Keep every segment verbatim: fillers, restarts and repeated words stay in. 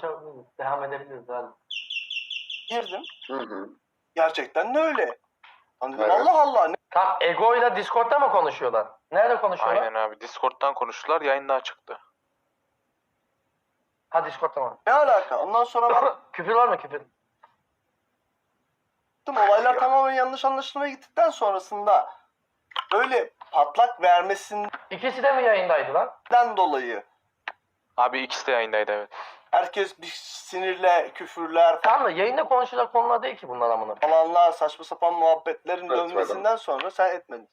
açabiliriz. Devam edebiliriz hadi. Girdim. Hı hı. Gerçekten de öyle. Lan dedim, Evet. Allah Allah. Ne? Tam Ego ile Discord'da mı konuşuyorlar? Nerede konuşuyorlar? Aynen abi. Discord'dan konuştular. Yayında çıktı. Ha Discord'da mı? Ne alaka? Ondan sonra baktım, Küfür var mı küfür? olaylar tamamen yanlış anlaşılmaya gittikten sonrasında böyle patlak vermesinden İkisi de mi yayındaydı lan? dolayı Abi ikisi de yayındaydı evet. herkes bir sinirle küfürler Tamam da yayında konuşacak konular değil ki bunlar amına. falanlar, saçma sapan muhabbetlerin Evet, dönmesinden sonra sen etmedin.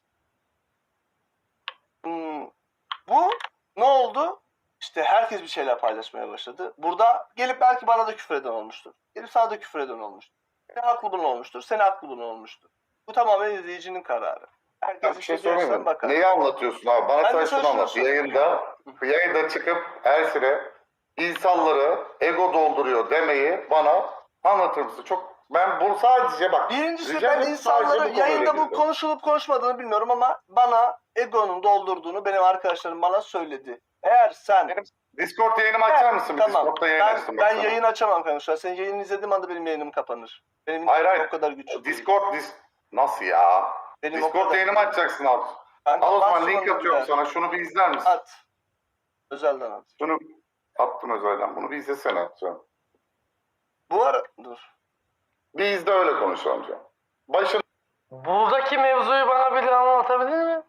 Hmm, bu ne oldu? İşte herkes bir şeyler paylaşmaya başladı. Burada gelip belki bana da küfür eden olmuştur. Gelip sana da küfür eden olmuştur. Seni haklı bulan olmuştur. Seni haklı bulan olmuştur. Bu tamamen izleyicinin kararı. Herkes Bir şey işte diyorsa sorayım mı? bakar. Neyi anlatıyorsun abi? Bana Ben de sen şunu sana şunu anlat. söyleyeyim. Yayında, yayında çıkıp her süre insanları ego dolduruyor demeyi bana anlatır mısın? Çok ben bu sadece bak. Birincisi rica ben ederim, insanları sadece bu konuyla yayında bu ilgili. konuşulup konuşmadığını bilmiyorum ama bana egonun doldurduğunu benim arkadaşlarım bana söyledi. Eğer sen Benim Discord yayınımı açar mısın? Bir tamam Discord'da yayın ben, açtım. ben baksana. yayın açamam kanka şu an. Senin yayını izlediğim anda benim yayınım kapanır. Benim Hayır, internet hayır. o kadar güçlü. değil. Discord dis nasıl ya? Benim o Discord kadar- yayınımı açacaksın abi. Kanka, Al o zaman bas link sonra atıyorum bir sana. Şunu bir izler misin? At. Özelden at. Şunu attım özelden. Bunu bir izlesene. Sen. Bu ara dur. Bir izle öyle konuşalım canım. Başın Buradaki mevzuyu bana biri anlatabilir mi?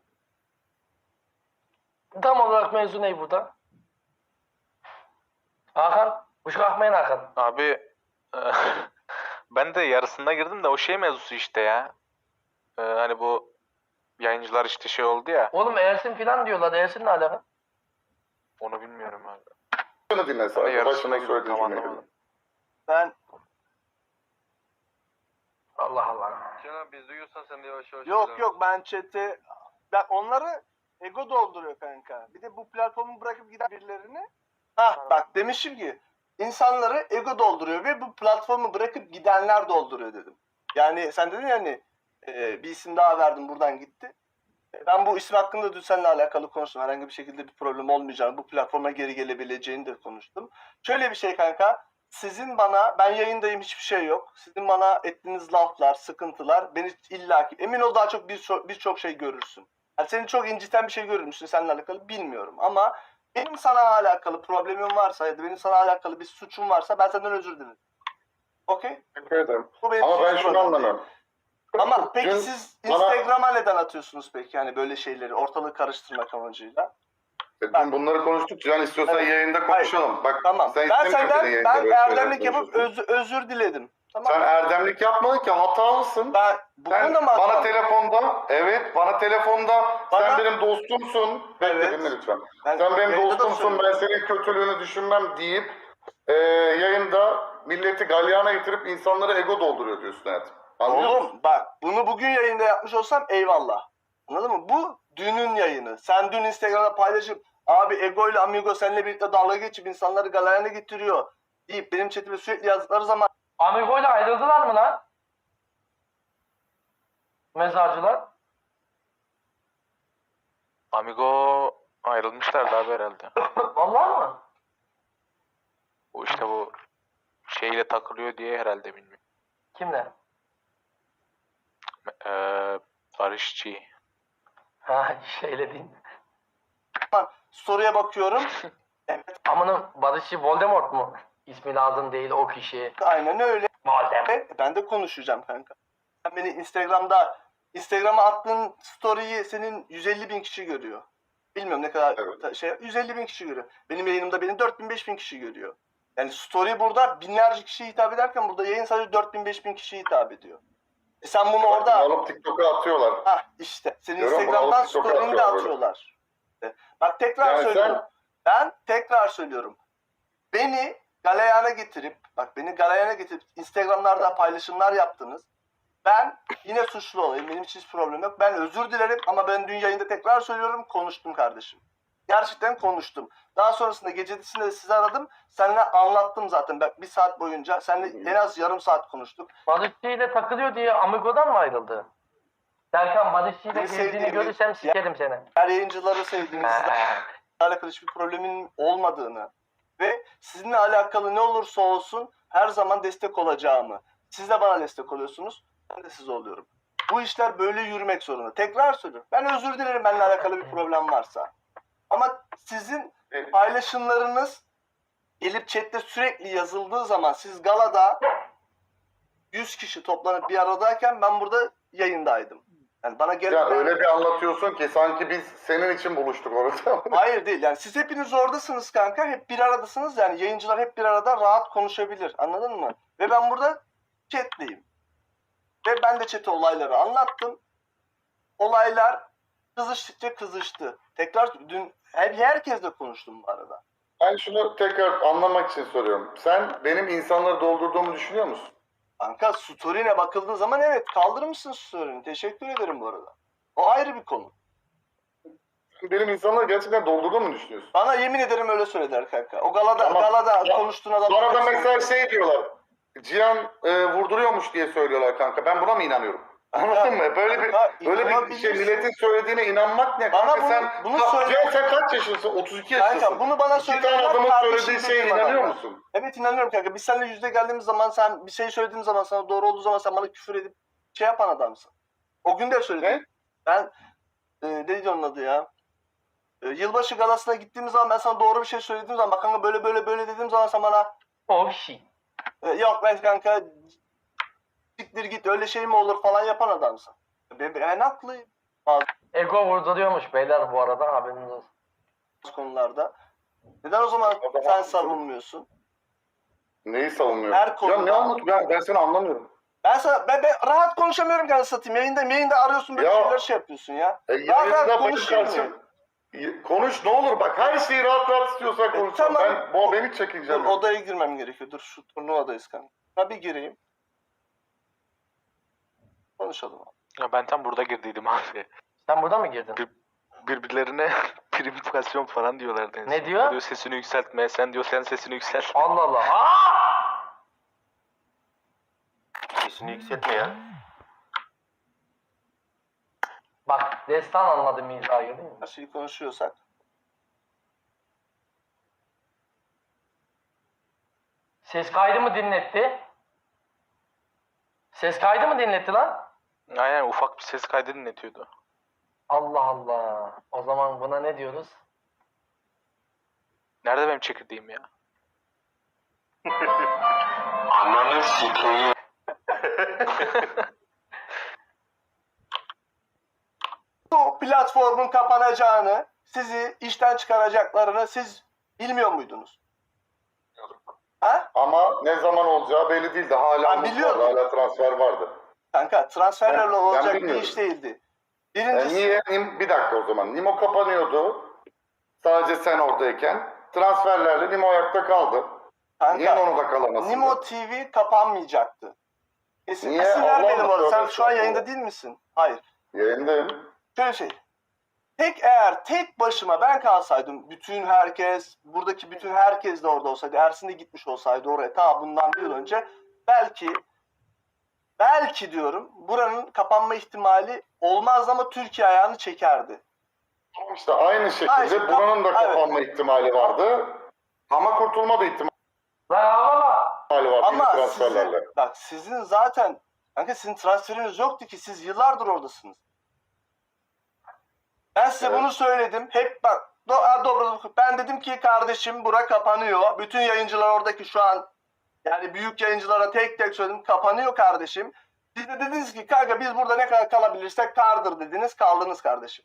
Tam olarak mevzu ne burada? Hakan, uşak akmayın Hakan. Abi ben de yarısında girdim de o şey mevzusu işte ya. Ee, hani bu yayıncılar işte şey oldu ya. Oğlum Ersin filan diyorlar. Ersin ne alaka? Onu bilmiyorum abi. şunu dinle Ben sadece. yarısında Başına girdim söylediğin tam cümleyi. anlamadım. Ben Allah Allah. Canan biz duyuyorsan sen de yavaş yavaş yok söyle. yok ben chat'e ben onları ego dolduruyor kanka. Bir de bu platformu bırakıp giden birilerini ha bak demişim ki insanları ego dolduruyor ve bu platformu bırakıp gidenler dolduruyor dedim. Yani sen dedin ya hani e, bir isim daha verdim buradan gitti. E, Ben bu isim hakkında dün seninle alakalı konuştum. Herhangi bir şekilde bir problem olmayacağını, bu platforma geri gelebileceğini de konuştum. Şöyle bir şey kanka. Sizin bana, ben yayındayım hiçbir şey yok. Sizin bana ettiğiniz laflar, sıkıntılar beni illaki, emin ol daha çok birçok birçok şey görürsün. Yani seni çok inciten bir şey görür müsün seninle alakalı bilmiyorum ama benim sana alakalı problemim varsa ya da benim sana alakalı bir suçum varsa ben senden özür dilerim. Okey? Teşekkür ederim. Bu benim Ama için ben hiç şunu problem değil. anlamıyorum. Ama peki Dün siz bana- Instagram'a neden atıyorsunuz peki yani böyle şeyleri ortalığı karıştırmak amacıyla? Dün bunları konuştuk. Can istiyorsan Evet. yayında konuşalım. Bak Tamam. sen Ben istemiyorsun senden yayında ben böyle şeyler erdemlik yapıp konuşuyorsun. özür, özür diledim. Tamam. Sen erdemlik yapmadın ki hatalısın. Ben bu Sen konuda mı bana hatam? telefonda, evet bana telefonda Bana- sen benim dostumsun. Bekle Evet. dinle lütfen. Ben Sen benim yayında da dostumsun, ben söylüyorum. senin kötülüğünü düşünmem deyip e, yayında milleti galyana getirip insanlara ego dolduruyor diyorsun hayatım. Anlıyor musun? Oğlum bak bunu bugün yayında yapmış olsam eyvallah. Anladın mı? Bu dünün yayını. Sen dün Instagram'da paylaşıp abi Ego ile Amigo seninle birlikte dalga geçip insanları galerine getiriyor deyip benim chatime sürekli yazdıkları zaman Amigo ile ayrıldılar mı lan? Mezarcılar. Amigo ayrılmışlardı abi herhalde. Vallahi mı? Bu işte bu şeyle takılıyor diye herhalde bilmiyorum. Kimle? Ee, Barışçı. Ha şeyle değil. story'e bakıyorum. Evet Amanın Barışçı Voldemort mu? İsmi lazım değil o kişi. aynen öyle. Voldemort. E, Ben de konuşacağım kanka. Sen beni Instagram'da Instagram'a attığın story'yi senin yüz elli bin kişi görüyor. Bilmiyorum ne kadar Evet. ta- şey yüz elli bin kişi görüyor. Benim yayınımda beni dört bin beş bin kişi görüyor. Yani story burada binlerce kişiye hitap ederken burada yayın sadece dört bin beş bin kişiye hitap ediyor. E sen bunu Bak, bunu orada alıp TikTok'a atıyorlar. ha işte senin Görüyor musun? Instagram'dan Alıp TikTok'a story'ini de atıyorlar atıyorlar. E, Bak tekrar Yani söylüyorum. sen- Ben tekrar söylüyorum. Beni galeyana getirip, bak beni galeyana getirip Instagram'larda paylaşımlar yaptınız. Ben yine suçlu olayım. Benim için hiç problem yok. Ben özür dilerim ama ben dün yayında tekrar söylüyorum konuştum kardeşim. Gerçekten konuştum. Daha sonrasında gecesinde de sizi aradım. Seninle anlattım zaten. Ben bir saat boyunca seninle en az yarım saat konuştuk. Barışçı ile takılıyor diye Amigo'dan mı ayrıldı? Serkan Barışçı ile Beni gezdiğini sevdiğimi- görürsem sikerim seni. Her yayıncıları sevdiğinizle Ha. alakalı hiçbir problemin olmadığını Ve sizinle alakalı ne olursa olsun her zaman destek olacağımı. Siz de bana destek oluyorsunuz. Ben de size oluyorum. Bu işler böyle yürümek zorunda. Tekrar söylüyorum. Ben özür dilerim benimle alakalı bir problem varsa. Ama sizin Evet. paylaşımlarınız gelip chatte sürekli yazıldığı zaman siz galada yüz kişi toplanıp bir aradayken ben burada yayındaydım. Yani bana gelip Ya öyle bir anlatıyorsun ki sanki biz senin için buluştuk orada. Hayır değil. Yani siz hepiniz oradasınız kanka. Hep bir aradasınız. Yani yayıncılar hep bir arada rahat konuşabilir. Anladın mı? Ve ben burada chatleyim. Ve ben de chat'e olayları anlattım. Olaylar kızıştıkça kızıştı. Tekrar dün hep herkesle konuştum bu arada. Ben şunu tekrar anlamak için soruyorum. Sen benim insanları doldurduğumu düşünüyor musun? Kanka story'ne bakıldığı zaman evet kaldırmışsın story'ni. Teşekkür ederim bu arada. O ayrı bir konu. Benim insanları gerçekten doldurduğumu mu düşünüyorsun? Bana yemin ederim öyle söylediler kanka. O galada Tamam. galada Ya, konuştuğun adam. Bana da mesela şey diyorlar. Cihan e, vurduruyormuş diye söylüyorlar kanka. Ben buna mı inanıyorum? Anladın mı? Böyle bir Kanka, böyle bir şey inanabilirsin. milletin söylediğine inanmak ne Bana kanka? bunu- sen bunu Ka- söyle- Cihan sen kaç yaşındasın? otuz iki yaşındasın. Kanka bunu bana İki tane söyleyenler adamın kardeşim söylediği şeye dediğim inanıyor adamlar. musun? Evet inanıyorum kanka. Biz seninle yüzde geldiğimiz zaman sen bir şey söylediğim zaman sana doğru olduğu zaman sen bana küfür edip şey yapan adamsın. O gün de söyledim. Ne? Ben e, neydi onun adı ya? E, yılbaşı galasına gittiğimiz zaman ben sana doğru bir şey söylediğim zaman bak kanka böyle böyle böyle dediğim zaman sen bana Oh shit. e, yok ben kanka siktir git öyle şey mi olur falan yapan adamsın. Ben, ben haklıyım Ego vurduruyormuş beyler bu arada haberiniz olsun. bazı konularda. Neden o zaman O zaman- sen savunmuyorsun? Neyi savunuyorum? Her Ya konuda- ne anlat? Ben, ben seni anlamıyorum. Ben sana ben, ben rahat konuşamıyorum kanka satayım. Yayında yayında arıyorsun böyle Ya. şeyler şey yapıyorsun ya. E, Rahat rahat yayında benim konuşayım karşım... Y- Konuş ne olur bak her şeyi rahat rahat istiyorsan konuş. tamam. Ben bu beni çekeceğim. Dur odaya girmem gerekiyor. Dur şu turnuvadayız kanka. Ha bir gireyim. Konuşalım. Ya ben tam burada girdiydim abi. Sen burada mı girdin? Bir- Birbirlerine primifikasyon falan diyorlardı. en Ne son. diyor? Diyor sesini yükseltme. Sen diyor sen sesini yükselt. Allah Allah. Aa! Sesini yükseltme ya. Bak destan anladı mizahı değil mi? Her şeyi konuşuyorsak. Ses kaydı mı dinletti? Ses kaydı mı dinletti lan? Aynen ufak bir ses kaydı dinletiyordu. Allah Allah. O zaman buna ne diyoruz? Nerede benim çekirdeğim ya? Ananı sikeyim. Bu platformun kapanacağını, sizi işten çıkaracaklarını siz bilmiyor muydunuz? Ha? Ama ne zaman olacağı belli değildi. Hala Ben umut biliyordum. vardı, hala transfer vardı. Kanka transferlerle Ben- ben olacak bir bilmiyorum. iş değildi. E, Birincisi niye? Nim- Bir dakika o zaman. Nimo kapanıyordu. Sadece sen oradayken. Transferlerle Nimo ayakta kaldı. Niye kanka onu da kalamasın? Nimo T V kapanmayacaktı. Kesin Niye? isim ver Allah beni bu arada. Allah, Sen tövbe şu an estağfurullah. yayında değil misin? Hayır. Yayındayım. Şöyle şey. Tek eğer tek başıma ben kalsaydım bütün herkes buradaki bütün herkes de orada olsaydı Ersin de gitmiş olsaydı oraya ta bundan bir yıl önce belki belki diyorum buranın kapanma ihtimali olmaz ama Türkiye ayağını çekerdi. İşte aynı şekilde Aynen, buranın da evet. kapanma ihtimali vardı. Ama kurtulma da ihtimali Lan ağlama. vardı Ama transferlerle. sizin, bak sizin zaten kanka sizin transferiniz yoktu ki siz yıllardır oradasınız. Ben size Evet. bunu söyledim. Hep bak do, a, dobro- ben dedim ki kardeşim bura kapanıyor. Bütün yayıncılar oradaki şu an yani büyük yayıncılara tek tek söyledim kapanıyor kardeşim. Siz de dediniz ki kanka biz burada ne kadar kalabilirsek kardır dediniz kaldınız kardeşim.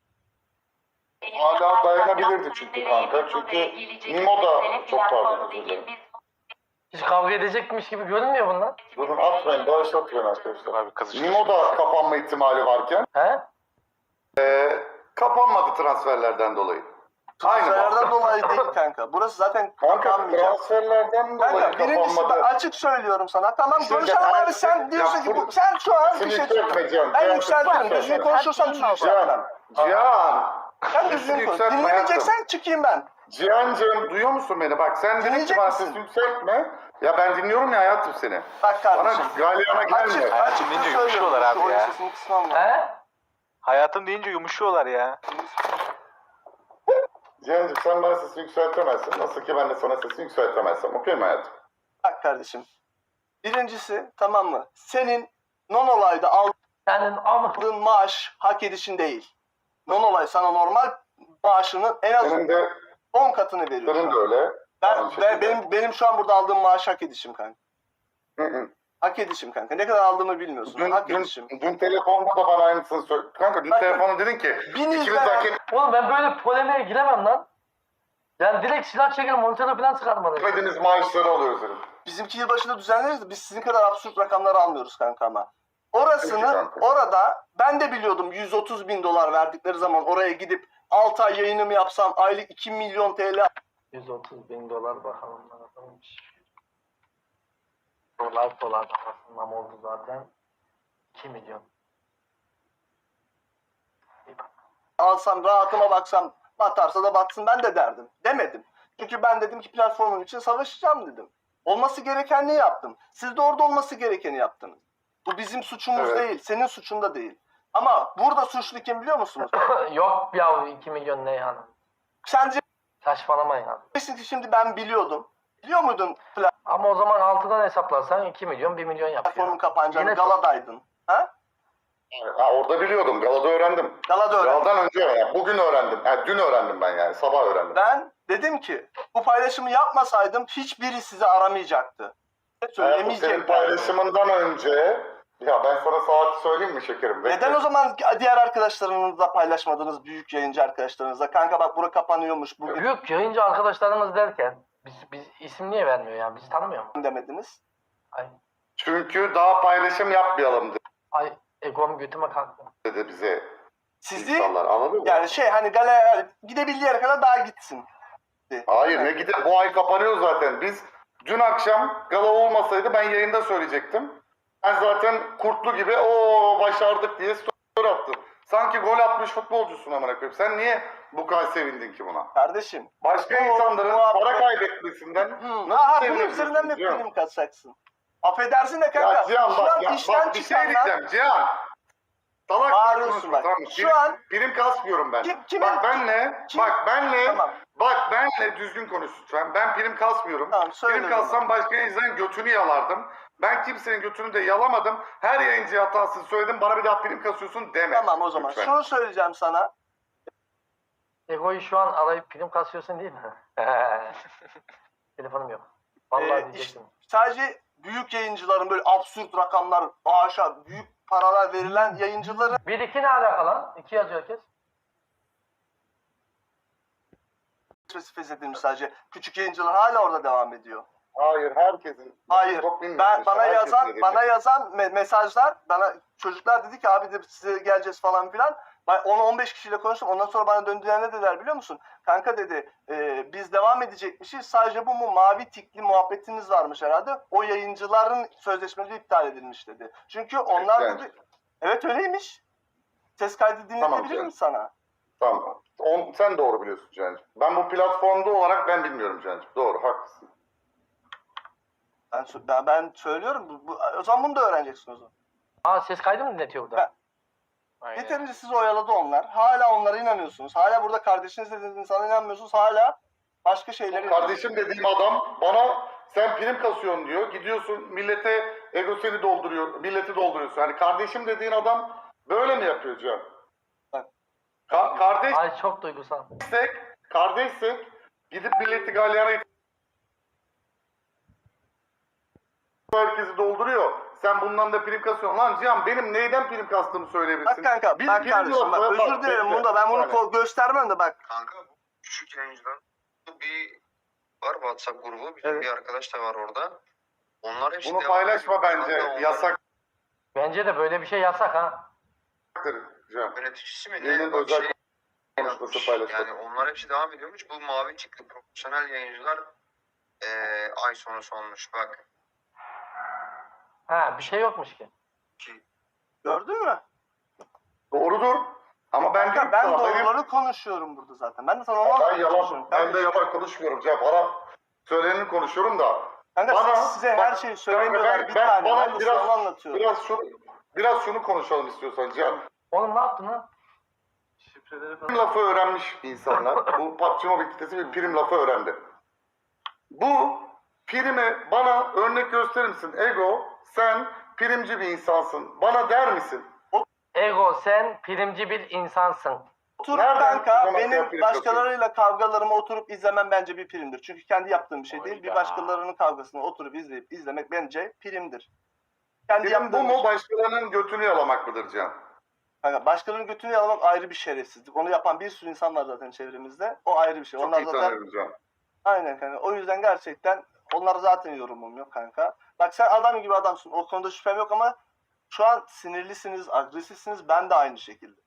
Hala dayanabilirdi çünkü kanka. Çünkü Nimo da çok pardon. özür dilerim. Hiç kavga edecekmiş gibi görünmüyor bunlar. Durun atmayın, bağışlatmayın arkadaşlar. Abi kızıştı. Nimo da kapanma ihtimali varken He? kapanmadı transferlerden dolayı. Aynı Transferlerden bak. dolayı değil kanka. Burası zaten Kanka kapanmayacak. transferlerden dolayı Kanka birincisi kapanmadı. ben açık söylüyorum sana. Tamam Şimdi konuşalım her abi sen şey- diyorsun ya ki bu, bu- sen şu an bir Seni şey yükseltmeyeceğim. Ben Cihan, yükseltirim. yükseltme. Düzgün konuşursan Cihan, yükseltirim. Cihan. Sen düzgün konuş. Yükseltme Dinlemeyeceksen çıkayım ben. Cihan'cığım duyuyor musun beni? Bak sen dedin ki Dinleyecek bana misin? sesi yükseltme. Ya ben dinliyorum ya hayatım seni. Bak Bana kardeşim. galyana gelme. Açık, Hayatım açık deyince söylüyorum. yumuşuyorlar abi Şu oyun ya. sesini kısmam var. He? Hayatım deyince yumuşuyorlar ya. Cihan'cığım sen bana sesini yükseltemezsin. Nasıl ki ben de sana sesini yükseltemezsem. Okey mi hayatım? Bak kardeşim. Birincisi tamam mı? Senin non-olayda Senin ama aldığın maaş hak edişin değil. Non-olay sana normal maaşının en az Senin de, on katını veriyor. senin de öyle. Ben, Aynı ben şekilde. benim benim şu an burada aldığım maaş hak edişim kanka. Hı hı. Hak edişim kanka. Ne kadar aldığımı bilmiyorsun. Dün, hak dün, edişim. dün telefonda da bana aynısını söyle. Kanka dün Bakın, telefonda dedin ki bin ikimiz izleyen- de hak oğlum ben böyle polemiğe giremem lan. Yani direkt silah çekil monitörü falan çıkarmadım. etmediğiniz maaşları alıyoruz dedim. Bizimki yılbaşında düzenleriz de biz sizin kadar absürt rakamları almıyoruz kanka ama. Orasını Peki kanka. orada ben de biliyordum yüz otuz bin dolar verdikleri zaman oraya gidip altı ay yayınımı yapsam aylık iki milyon T L yüz otuz bin dolar bakalım ne kadarmış. Dolar dolar aslında oldu zaten. iki milyon. alsam rahatıma baksam batarsa da batsın ben de derdim. Demedim. Çünkü ben dedim ki platformum için savaşacağım dedim. Olması gerekenini yaptım. Siz de orada olması gerekeni yaptınız. Bu bizim suçumuz Evet. değil. Senin suçun da değil. Ama burada suçlu kim biliyor musunuz? Yok ya iki milyon ne yani? Sence Saçmalama ya. ki şimdi ben biliyordum. Biliyor muydun Ama o zaman altıdan hesaplarsan iki milyon bir milyon yapıyor. platformun kapanacağını? Yine çok- Galadaydın. Ha? Ha, orada biliyordum. Galada öğrendim. Galada öğrendim. Galadan önce yani. Bugün öğrendim. Yani dün öğrendim ben yani. Sabah öğrendim. Ben dedim ki bu paylaşımı yapmasaydım hiçbiri sizi aramayacaktı. Hayatım, Söylemeyecek. senin paylaşımından önce ya ben sana saati söyleyeyim mi şekerim? Bekle. Neden o zaman diğer arkadaşlarınızla paylaşmadınız, büyük yayıncı arkadaşlarınızla? Kanka bak bura kapanıyormuş bugün Büyük yayıncı arkadaşlarımız derken biz, biz isim niye vermiyor ya? Bizi tanımıyor mu? demediniz. Ay, Çünkü daha paylaşım yapmayalım ay egom götüme kalktı. dedi bize Sizi insanlar. Anladın mı? yani şey hani galeri gidebildiği yere kadar daha gitsin. Hayır ne gider bu ay kapanıyor zaten. Biz dün akşam gala olmasaydı ben yayında söyleyecektim. Ben zaten kurtlu gibi o başardık diye story attım. Sanki gol atmış futbolcusun amına koyayım. Sen niye bu kadar sevindin ki buna? Kardeşim. Başka Bu- insanların bu- para kaybetmesinden Hı, nasıl ha, bunun seviniyorsun üzerinden mi Cihan? prim kaçacaksın? Affedersin de kanka. Ya Cihan şu bak an ya, işten bak bir şey çıkanlar diyeceğim Cihan. Salak Bağırıyorsun konuşma, bak. tamam mı? Şu Prim- an- prim kasmıyorum ben. Kim- kimin- bak benle, kim- bak benle, Tamam. bak benle düzgün konuş lütfen. Ben prim kasmıyorum. Tamam, söyle Prim o zaman. kassam başka yayıncıların götünü yalardım. Ben kimsenin götünü de yalamadım. Her yayıncıya hatasını söyledim. Bana bir daha prim kasıyorsun deme. Tamam o zaman. Lütfen. Şunu söyleyeceğim sana. Ego'yu şu an arayıp prim kasıyorsun değil mi? Telefonum yok. Vallahi Ee, diyecektim. Sadece büyük yayıncıların böyle absürt rakamlar, bağışa, büyük paralar verilen yayıncıların Bir iki ne alaka lan? İki yazıyor herkes. spesifik edilmiş sadece. Küçük yayıncılar hala orada devam ediyor. Hayır herkesin. Hayır. Çok bilmiyorsun Ben işte, bana herkesin yazan dediği bana şey. yazan me- mesajlar bana çocuklar dedi ki abi de size geleceğiz falan filan. Ben on on beş kişiyle konuştum. Ondan sonra bana döndüler ne dediler biliyor musun? Kanka dedi e, biz devam edecekmişiz. Sadece bu mu mavi tikli muhabbetiniz varmış herhalde. O yayıncıların sözleşmeleri iptal edilmiş dedi. Çünkü onlar Yani. dedi evet öyleymiş. Ses kaydı dinletebilir Tamam, miyim canım. sana? Tamam. On, sen doğru biliyorsun Cihan'cığım. Ben bu platformda olarak ben bilmiyorum Cihan'cığım. Doğru haklısın. Ben, sö- ben, ben söylüyorum. Bu, bu, o zaman bunu da öğreneceksin o zaman. Aa ses kaydı mı dinletiyor burada? Ben- Aynen. Yeterince sizi oyaladı onlar. Hala onlara inanıyorsunuz. Hala burada kardeşiniz dediğiniz insana inanmıyorsunuz. Hala başka şeyleri... Kardeşim dediğim adam bana sen prim kasıyorsun diyor. Gidiyorsun millete ego seni dolduruyor. Milleti dolduruyorsun. Yani kardeşim dediğin adam böyle mi yapıyor Cihan? Bak. Ka- kardeşsek, Ay çok duygusal. kardeşsek gidip milleti galyana herkesi dolduruyor. Sen bundan da prim kasıyorsun. Lan Cihan benim neyden prim kastığımı söyleyebilirsin. Bak kanka, Bir bak prim kardeşim bak yok. özür dilerim bekle. bunda ben bunu Yani. ko- göstermem de bak. Kanka bu küçük yayıncılar bir var WhatsApp grubu. Bizim Evet. bir arkadaş da var orada. Onlar hepsi Bunu devam paylaşma ediyor. bence. Kanka onlar Yasaktır Bence de böyle bir şey yasak ha. Cihan. Yöneticisi mi Birinin ne? Bak özel şey konuşması yapmış. paylaşmak. Yani onlar hepsi devam ediyormuş. Bu mavi tikli profesyonel yayıncılar eee ay sonu sonmuş. Bak. Ha bir şey yokmuş ki. Gördün mü? Doğrudur. Ama ben Kanka ben sana, benim- doğruları konuşuyorum burada zaten. Ben de sana onu Ben anlatmaya yalan, çalışıyorum. ben de yalan konuşmuyorum Cihan. Bana söyleneni konuşuyorum da. Kanka Bana, size bak, her şeyi söylemiyorlar ben- bir ben- tane. bana Ben de biraz- sana onu anlatıyorum. Biraz şunu, biraz şunu konuşalım istiyorsan Cihan. Oğlum ne yaptın lan? Prim lafı öğrenmiş insanlar. Bu P U B G Mobile kitlesi bir prim lafı öğrendi. Bu primi bana örnek gösterir misin? Ego, sen primci bir insansın. Bana der misin? Ego sen primci bir insansın. Oturup Nereden kanka bu zamana kadar benim prim başkalarıyla kavgalarımı oturup izlemem bence bir primdir. Çünkü kendi yaptığım bir şey değil. Bir Hayda. başkalarının kavgasını oturup izleyip izlemek bence primdir. Kendi Prim bu yaptığım mu bir şey. başkalarının götünü yalamak mıdır Can? Kanka başkalarının götünü yalamak ayrı bir şerefsizlik. Onu yapan bir sürü insan var zaten çevremizde. O ayrı bir şey. Çok Onlar iyi zaten tanıyorum Can. aynen kanka. O yüzden gerçekten onlar zaten yorumum yok kanka. Bak sen adam gibi adamsın. O konuda şüphem yok ama şu an sinirlisiniz, agresifsiniz. Ben de aynı şekilde.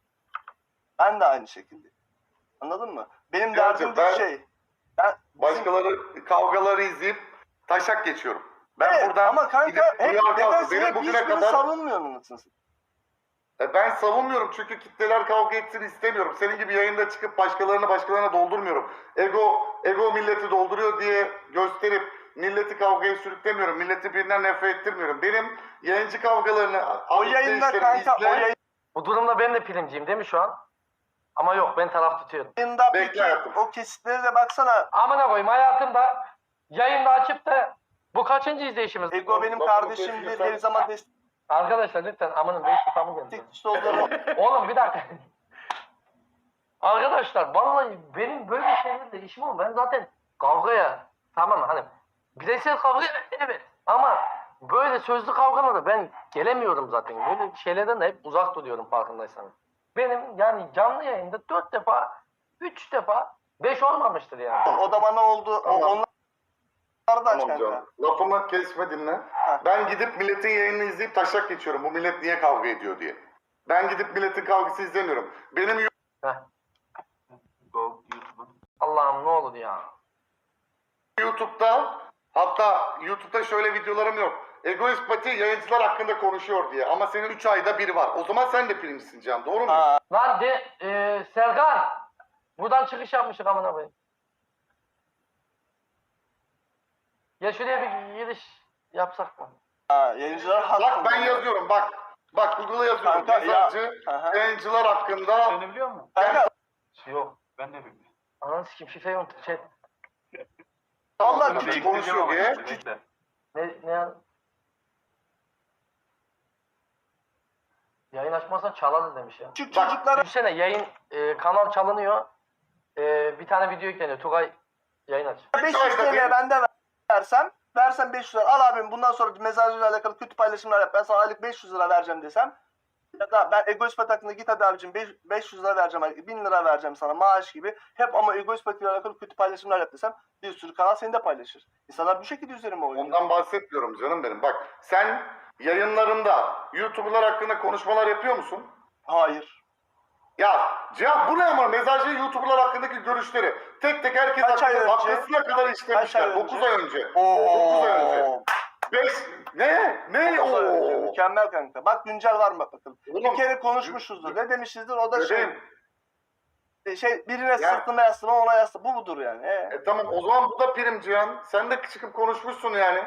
Ben de aynı şekilde. Anladın mı? Benim Ya derdim bir ben- şey. Ben Başkaları kavgaları izleyip taşak geçiyorum. Ben evet, buradan ama kanka gidip hep duyar kalsın. nedense Benim hep bugüne hiçbirini kadar savunmuyorsun anasını satayım. E, ben savunmuyorum çünkü kitleler kavga etsin istemiyorum. Senin gibi yayında çıkıp başkalarını başkalarına doldurmuyorum. Ego ego milleti dolduruyor diye gösterip milleti kavgaya sürüklemiyorum. Milleti birinden nefret ettirmiyorum. Benim yayıncı kavgalarını, O yayında kanka o yayında Bu durumda ben de primciyim değil mi şu an? Ama yok ben taraf tutuyorum. Yayında Bekle peki hayatım. o kesitleri de baksana. Amına koyayım hayatımda yayında açıp da bu kaçıncı izleyişimiz? Ego benim Lafını kardeşimdir. kesiyorsan- Her zaman destek Arkadaşlar lütfen amanın beş kafamı geldi. kişi olduğunu. Oğlum bir dakika. Arkadaşlar vallahi benim böyle şeylerle işim olmuyor. Ben zaten kavgaya tamam hani bireysel kavga evet ama böyle sözlü kavgalara ben gelemiyorum zaten. Böyle şeylerden de hep uzak duruyorum farkındaysanız. Benim yani canlı yayında dört defa, üç defa, beş olmamıştır yani. O da bana oldu. Tamam. O, onlar da aç Tamam kanka. canım. Lafımı kesme dinle. Ben gidip milletin yayınını izleyip taşak geçiyorum. Bu millet niye kavga ediyor diye. Ben gidip milletin kavgası izlemiyorum. Benim Heh. Allah'ım ne olur ya. YouTube'da hatta YouTube'da şöyle videolarım yok. Egoist Pati yayıncılar hakkında konuşuyor diye. Ama senin üç ayda bir var. O zaman sen de primcisin Can. Doğru mu? Ha, Lan de e, Serkan. Buradan çıkış yapmışık amına koyayım. Ya şuraya bir giriş yapsak mı? ha, yayıncılar haklı. Bak ben yazıyorum bak. Bak Google'a yazıyorum. Kanka, ya- Mezarcı Aha. yayıncılar hakkında Seni biliyor musun? Kanka Yok. Ben de bilmiyorum. Ananı sikeyim şifreyi unuttum. Şey, vallahi Küçük küçük konuşuyor diye. Bekle. ne, ne ya? Yayın açmazsan çalarız demiş ya. küçük Bak, çocuklara Düşünsene yayın e, kanal çalınıyor. E, bir tane video yükleniyor. Tugay yayın aç. beş yüz ayda bir- T L ben de versem, versem beş yüz lira. Al abim bundan sonra mezarcıyla alakalı kötü paylaşımlar yap. Ben sana aylık beş yüz lira vereceğim desem. Ya da ben Egoist Pati hakkında git hadi abicim beş yüz lira vereceğim, aylık, bin lira vereceğim sana maaş gibi. Hep ama Egoist Pati ile alakalı kötü paylaşımlar yap desem bir sürü kanal seni de paylaşır. İnsanlar bu şekilde üzerime oynuyor. Ondan bahsetmiyorum canım benim. Bak sen yayınlarında YouTuber'lar hakkında konuşmalar yapıyor musun? Hayır. Ya Cihan bu ne ama mezarcı YouTuber'lar hakkındaki görüşleri tek tek herkes Kaç ay hakkında önce? dakikasına kadar Kaç işlemişler. ay önce? dokuz ay önce. Oo. dokuz ay önce. beş ne? Ne Dokuz ay önce. o? Mükemmel kanka. Bak güncel var mı bak bakalım. Bir Oğlum, kere konuşmuşuzdur. Ne demişizdir o da şey. Bebeğim, Şey birine sırtıma yaslama ona yaslama. Bu budur yani. Ee. E tamam o zaman bu da prim Cihan. Sen de çıkıp konuşmuşsun yani.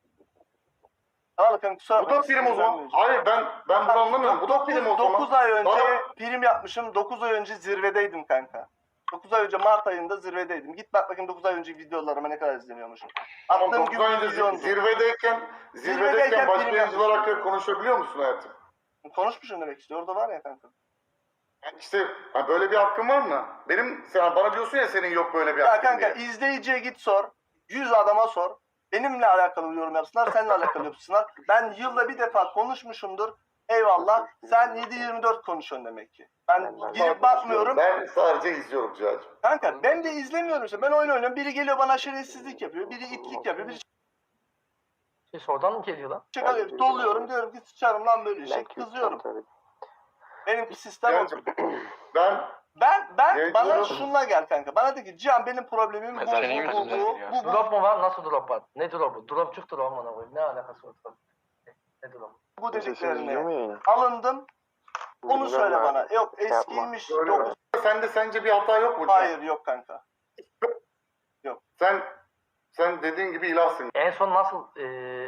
Al kanka kusura Bu da bakma, prim o zaman. sinirlenmeyeceğim. Hayır ben ben bunu anlamıyorum. Bu da prim o zaman. dokuz ay önce Bana- prim yapmışım. dokuz ay önce zirvedeydim kanka. dokuz ay önce Mart ayında zirvedeydim. Git bak bakayım dokuz ay önceki videolarıma ne kadar izleniyormuşum. Tamam, Attığım dokuz gün ay önce milyondu. zirvedeyken, Zirvedeyken zirvedeyken başka prim yayıncılar yapmışım. hakkında konuşabiliyor musun hayatım? Konuşmuşum demek istiyor. Orada var ya kanka. İşte ha, böyle bir hakkın var mı? Benim sen bana diyorsun ya senin yok böyle bir Ya hakkın kanka diye. izleyiciye git sor. yüz adama sor. Benimle alakalı yorum yapsınlar, seninle alakalı yapsınlar. Ben yılda bir defa konuşmuşumdur. Eyvallah. Sen yedi yirmi dört konuşuyorsun demek ki. Ben girip bakmıyorum. Ben sadece izliyorum Cihan'cığım. Kanka ben de izlemiyorum işte. Ben oyun oynuyorum. Biri geliyor bana şerefsizlik yapıyor. Biri itlik yapıyor. Biri Şey oradan mı geliyor lan? çıkarıyor. Doluyorum diyorum ki sıçarım lan böyle şey. Kızıyorum. Benimki sistem o. Cihan'cığım ben Ben ben Evet, bana doğru. şunla gel kanka. Bana de ki Cihan benim problemim bu bu Mesela bu senin bu yüzünden bu geliyor. bu bu. Drop mu var? Nasıl drop var? Ne drop'u? Dropçuktur o amına koyayım. Ne alakası var? Ne drop? Bu dediklerine alındım. Onu söyle bana. Yok eskiymiş. Öyle Yok. mi? Sende sence bir hata yok mu? Cihan? Hayır yok kanka. Sen sen dediğin gibi ilahsın. En son nasıl eee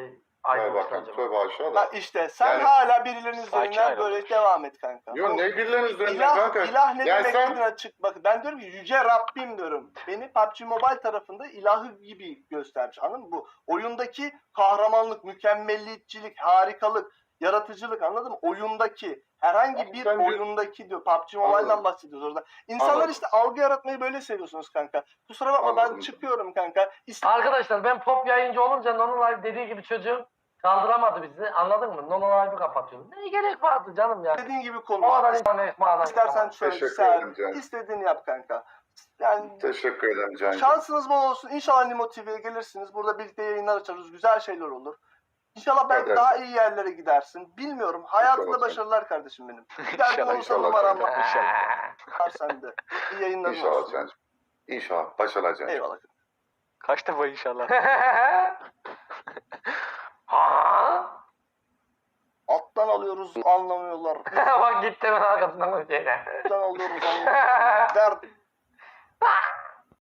Tövbe ayrılmışlar bakın, acaba? tövbe aşağı Ha da. işte sen Yani- hala birilerinin Sakin üzerinden ayrılmış. böyle devam et kanka. Yo ne birilerinin üzerinden İlah, kanka. ilah ne Yani demek sen- dediğine açık. Bakın ben diyorum ki yüce Rabbim diyorum. Beni P U B G Mobile tarafında ilahı gibi göstermiş. Anladın mı? Bu oyundaki kahramanlık, mükemmelliyetçilik, harikalık, yaratıcılık anladın mı? Oyundaki herhangi Abi bir sen- oyundaki diyor. P U B G Mobile'dan Anladım. bahsediyoruz orada. İnsanlar Anladım. işte algı yaratmayı böyle seviyorsunuz kanka. Kusura bakma Anladım. ben çıkıyorum kanka. İste- Arkadaşlar ben pop yayıncı olunca Nono Live dediği gibi çocuğum kaldıramadı bizi. Anladın mı? Nono Live'ı kapatıyorum. Ne gerek vardı canım ya? İstediğin gibi O konuş. kadar insan ekmeğe İstersen söyle. Teşekkür Sen ederim canım. istediğini yap kanka. Yani Teşekkür ederim Cancığım. şansınız bol olsun. İnşallah Nimo T V'ye gelirsiniz. Burada birlikte yayınlar açarız. Güzel şeyler olur. İnşallah belki Evet. daha iyi yerlere gidersin. Bilmiyorum. Hayatında İnşallah. başarılar kardeşim benim. Bir derdin İnşallah, olursa inşallah numaram kanka. var sende. İyi yayınların İnşallah olsun. Cancığım. İnşallah. Başarılar Cancığım. Eyvallah. Kaç defa inşallah. Ha? Alttan alıyoruz anlamıyorlar. Bak gitti ben arkasından şeyden. Alttan alıyoruz anlamıyorlar. Dert.